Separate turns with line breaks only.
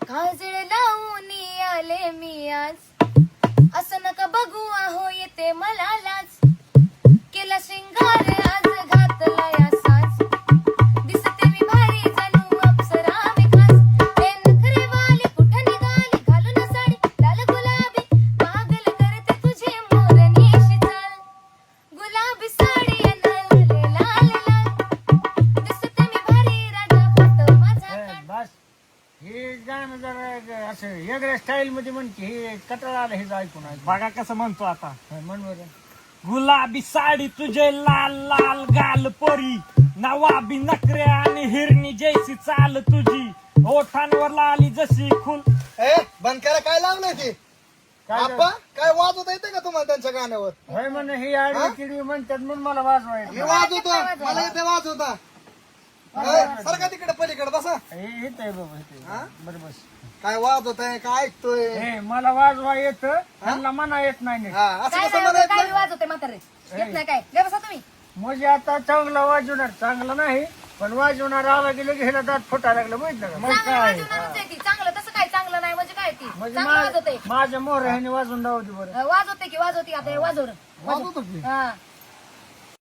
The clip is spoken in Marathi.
काजळ लावून आले मी आज, असं नका बघू आहो येते मला लाज. केला श्रृंगार आज घातला या साज, दिसते मी भारी जणू अप्सरा मी खास. हे नखरेवाली कुठं निघाली घालून साडी लाल गुलाबी, पागल करते तुझी मोरनीशी चाल. गुलाबी साडी लाल लाल लाल, दिसते मी भारी राजा फोटो माझा काढ.
बस हे गाणं जरा असं वेगळ्या स्टाईल मध्ये म्हणते. हे कटाळा आलं हे ऐकून.
बघा कसं म्हणतो आता.
म्हण बरं.
गुलाबी साडी तुझे लाल लाल गाल पोरी, नवाबी नखरे आणि हिरणी जैसी चाल तुझी, ओठांवर लाली जशी फुल.
ए बंद करा, काय लावलंय ते?
काय
आप्पा काय वाजवता येते का तुम्हाला त्यांच्या गाण्यावर?
होय म्हण ही आडवी तिडवी म्हणतात म्हणून मला वाजवायचं.
मी वाजवतो, मला येते वाजवता. सारखा तिकडे पलीकडे बसा.
हे येत आहे बाबा इथे.
हा?
बरं बस.
काय वाजवताय, काय ऐकतोय?
हे मला वाजवा येतं, त्यांना मना येत नाही नीट.
हा असं
काय
कसं
नाही काय
म्हणायचं?
वाजवते म्हातारे, येत नाही काय? गे बसा तुम्ही.
म्हणजे आता चांगला वाजवणार, चांगलं नाही पण वाजवणार आला गेलं की ह्याला दात फुटायला लागलं माहित का.
मग
चांगलं
काय
वाजवणारच आहे ती. चांगलं तसं काय चांगलं नाही म्हणजे काय ती
म्हणजे
चांगलं वाजवते.
माझ्या मोर ह्याने वाजवून दावली बरं.
वाजवते की वाजवते आता हे वाजव
वाजवतो की?
हा